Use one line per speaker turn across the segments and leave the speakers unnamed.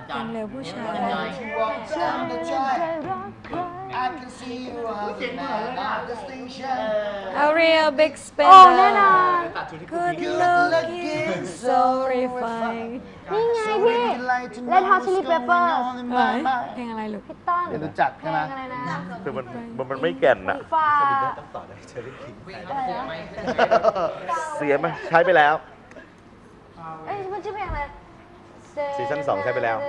เพลงเร็วผู้ชาย A real big spender
โอ้แน่นอน
Good looking so refined
นี่ไงพี่ Red Hot Chili Peppers
เพลงอะไรลูก
พี่ต้น
เดี๋ยวรู้จัก
เพ
ใช่
ล
ไหม
งอะไรนะ
คือมันไม่แก่นอะ
ฟ้า
เสียไหมใช้ไปแล้ว
เอ้ยมันชื่อเพลงอะไร
ซีซั่น2ใช้ไปแล้ว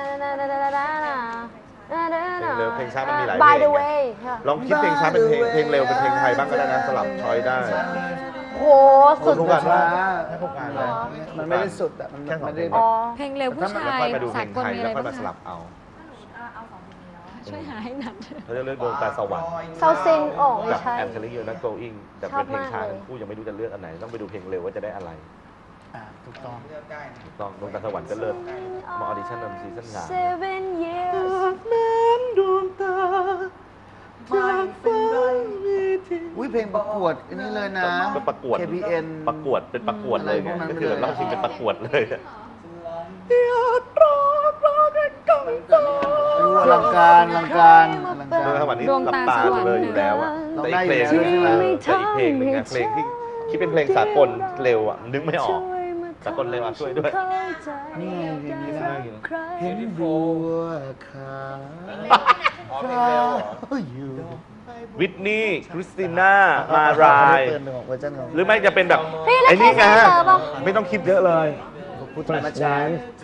เพลงช้ามันมีหลาย
By
เพล
the
งไง
way
ลองคิดเพลงช้าเป็นเพลงเร็วเป็นเพลงไทยบ้างก็ได้นะสลับช้อยได้
โหสุด
ทุกวัน
ช้า
ให้พวกการเลย
มันไม่ได้สุดอ่ะ มันไม่ได้แบ
อ๋
บ
อ
เพลงเร็วผู้
ถ้ามัน
ชา
ไม่
ย
ค่อยมาดูเพล
สาง กล
ไทย
มีอะ
แล้
ไร
วค่อย
บ้าง
มาสลับเอา
ช่วยหาให้หนัก
เขาจะเลือกดวงตาสวรรค์
เซาซินโอ่ไม่
กับ
ใช่
แอนเทลิโอและโกอิงแต่เป็นเพลงช้าทั้งคู่ยังไม่รู้จะเลือกอันไหนต้องไปดูเพลงเร็วว่าจะได้อะไร
ถูกต้อง
ถูกต้องดวงตาสวรรค์ก็เลิศมาออดิชั่นนำซีซั่น3
Seven years
ดวงตาจากฟ้ามีที่
อุ้ยเพลงประกวดอันนี้เลยนะ
ก็ประกวด
KPN
ประกวดเป็นประกวดเลยไง
อะไรพวกนั้น
ก็คือแบบ
เลย
รอบชิงเป็นประกวดเลยอะ
อลังการอลังการอลัง
ดวง
กา
ตาร สวรรค์นี่
ดวง
หลับ
ตา
ตา
สวรรค์
เลยอยู่แล้วอะแต่อีกเพลง
เราได้อยู่แล้วใช่ไหม
แต่อีกเพลงหนึงอะเพลงที่คิดเป็นเพลงสากลเร็วอะนึกไม่ออกสากลเร็วอะช่วยด้วย
นี่ไงเพลงนี้ได้อยู่เห็นบัวขาวอยู่
วิทนี่คริสติน่า มาราย
เปิดเวอร์ชันของ
หรือไม่จะเป็นแบบ
พี่แล้ว
ไอ้นี่ไงฮะ
เคยเจอปะ
ไม่ต้องคิดเยอะเลย
พุทธมาช้า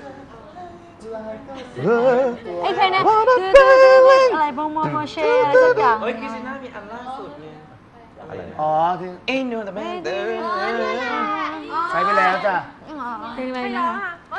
ไอ้เพลงนั้นอะไรโปรโมเชอะไรสักอย่าง
เฮ้ยคริสติน่ามีอันล่าสุดเนี่ย
อะไร
อ๋อที่
เอ้ยโนแต่แม่เดิน
ใช้ไปแล้วจ้ะ
เพลงอะไรนะคะ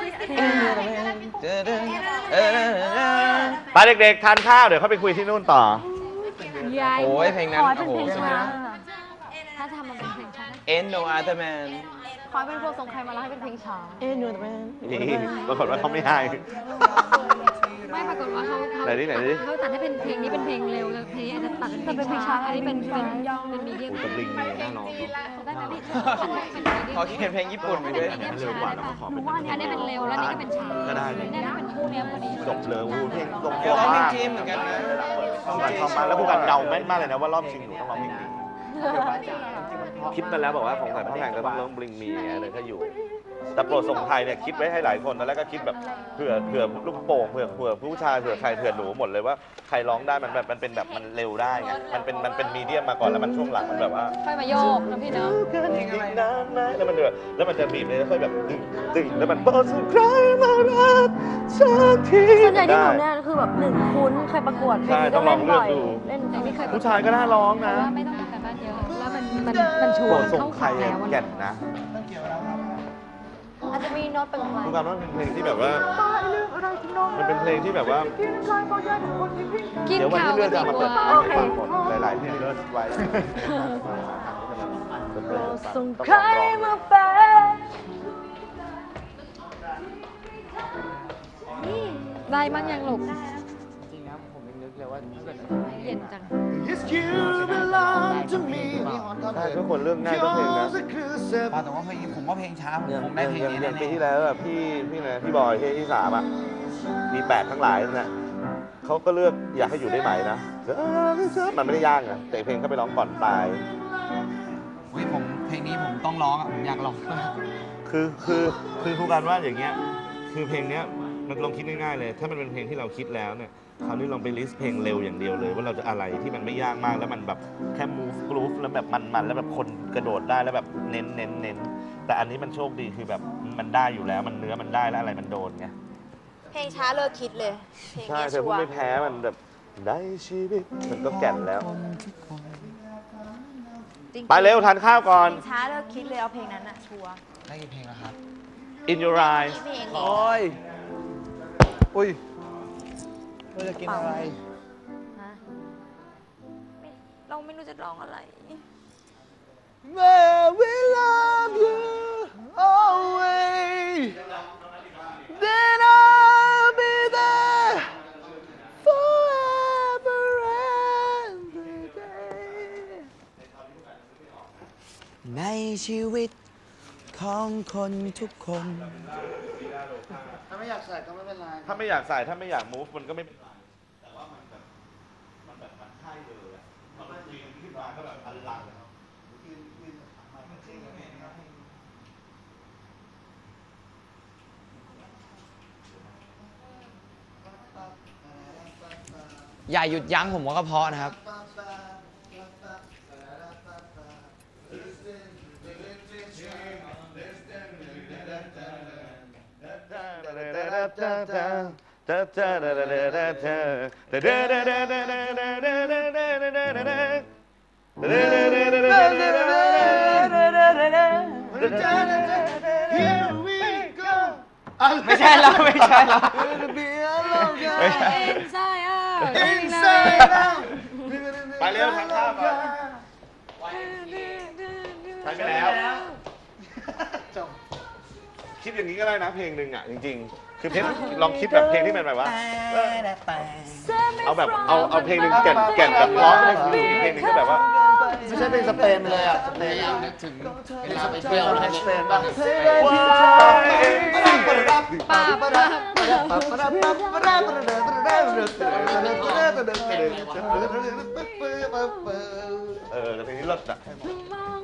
ไปเด็กๆทานข้าวเดี๋ยวเขาไปคุยที่นู่นต่อ
ยาย
โอ้ยเพลงนั้น
ขอให้เป็น
โอ้โห
เพลงช้า
ถ้าทำมันเป็นเพลงช้า
Ain't no other man
ขอให้เป็นพวกทรงใครมาแล้วให้เป็นเพลงช้า
Ain't no other man
นี่ปรากฏว่าเขาไม่ให้
ไม่ปรากฏว่าเขา
ไหนดิไหนดิ
เขาตัดให้เป็นเพลงนี้เป็นเพลงเร็วแล้วเพลงนี้อาจจะตัดเป็นเพลงช้าอันนี้เป็นมีเดียม
โอ้ตะลิงมีน่าร้อง
ได้ไหมพี่
เขาเขียนเพลงญี่ปุ่นไปด้วย
เร็วกว่าแล้วก็ขอเป็น
อันนี้เป็นเร็วแล้วนี่ก็เป็นช้า
ก็ได้เลย
นี่เป็นคู่เนี้ยพอดี
จบเลยวูเพลงลง
เดี๋ยวร้องเพลงจีนเหมือนกันนะ
ต้องการเข้ามาแล้วผู้การเดาแม่นมากเลยนะว่ารอบชิงหนูต้องร้องเพลงนี้คิดมาแล้วบอกว่าของสายพ่อแพงก็ต้องร้องบลิงมีอย่างเงี้ยเลยถ้าอยู่ แต่โปรดส่งไทยเนี่ยคิดไว้ให้หลายคนตอนแรกก็คิดแบบเผื่อลูกโป่งเผื่อผู้ชายเผื่อใครเผื่อหนูหมดเลยว่าใครร้องได้มันแบบมันเป็นแบบมันเร็วได้ไงมันเป็นมีเดียมมาก่อนแล้วมันช่วงหลังมันแบบว่า
ค่อยมาโยกนะพี่เนาะ
อีกนานไหมแล้วมันแบบแล้วมันจะบีบเลยแล้วค่อยแบบตึงแล้วมันโปรดส่งใครมารักสักที
ส่วนใหญ่ที่หนูเนี่ยคือแบบหนึ่งคุ้นเคยประกวดเพลง
ใช่
นี้
ต้
ก็
องล
เล่
อง
น
เลื
บ่
อก
อย
ดู
เล่น
ไม่เคย
ผู้ชายก็น่าร้อง
เพ
นะ
ราะว่าไม่ต้องทำการบ้านเยอะแล้วมันชว
โปร
น
ดส่ง
เข้า
ใคร
ขาแล้ว
แก่นนะ
อาจจะมีโน้ตเป็นอะไร
ผู้การว่าเป็นเพลงที่แบบว่ามันเป็นเพลงที่แบบว่า
กิน
เดี๋ยววัน
ข้าว
ที่เลื่
ก็
อนจะ
ดี
เอามาก เปิด
ว่า
ฟังหมดหลายๆเพลงเลิศไว้
ส่งใครมาแฝง
ได้มั้งยังลูก
จริงนะผมยังนึกเลยว่าถ้าเกิด
เย็นจัง
Yes you belong to me นี่ฮอนท่อน
ใช่ทุกคนเรื่องง่ายก็เพลงนะ
แต่ว่าเพลงนี้ผมว่าเพลงช้าผมคงได้เพลงนี้
อย่างปี
แน่
ที่แล้วแบบพี่บอยที่3อ่ะมี8ทั้งหลายนั่นแหละเขาก็เลือกอยากให้อยู่ได้ไหมนะมันไม่ได้ยากนะแต่เพลงเขาไปร้องก่อนตาย
ๆเฮ้ยผมเพลงนี้ผมต้องร้องอ่ะผมอยากร้องมาก
คือครูการว่าอย่างเงี้ยคือเพลงเนี้ยมันลองคิดง่ายๆเลย ถ้ามันเป็นเพลงที่เราคิดแล้วเนี่ยคราวนี้ลองไปลิสต์เพลงเร็วอย่างเดียวเลย ว่าเราจะอะไรที่มันไม่ยากมากแล้วมันแบบแค่ move groove แล้วแบบมันแล้วแบบคนกระโดดได้แล้วแบบเน้นแต่อันนี้มันโชคดีคือแบบมันได้อยู่แล้วมันเนื้อมันได้แล้วอะไรมันโดนไง
เพลงช้าเลิกคิดเลยเพลง
ใช่
นี้
เธอ
ชั
พู
ว
ด
ร์
ไม่แพ้มันแบบได้ชีวิตมันก็แก่นแล้ว
จริงๆ
ไปเร็วทานข้าวก่อน
เพลงช้าเลิกคิดเลยเอาเพลงนั้นอะชัวร์
ได้กี่เพลงแล้วครับ
In Your Eyes
เพลง
โอ้ยอุ้ยเราจะกินอะไร
ฮะเราไม่รู้จะร้องอะไร
We love you always Then I'll be there forever every day
ในชีวิตของคนทุกคน
ถ้าไม่อยากใส่ก็ไม่เป็นไร
ถ้าไม่อยากใส่ถ้าไม่อยาก move มันก็ไม่แต่ว่ามันแบบมันใช่เลยอะมันยืนขึ้นมาก็แบบอลัง
อย่าหยุดยั้งผมว่าก็เพราะนะครับ ไม่ใช่เราไม่ใช่เรา
ไปเร็วทางข้ามก่อนไปแล้ว คิดอย่างนี้ก็ได้นะเพลงหนึ่งอ่ะจริงๆ คือเพลงลองคิดแบบเพลงที่เป็นแบบว่าเอาแบบเอาเพลงหนึ่งแก่นแบบร้องให้ฟังอีกเพลงหนึ่งก็แบบว่า
ไม่ใช่เป็นสเปนไปเลยอ่ะสเปนอยากนึกถึงเวลาไปเที่ยวในสเปนบ้าง
แต่เพลงนี้เลิศอ่ะ
มอง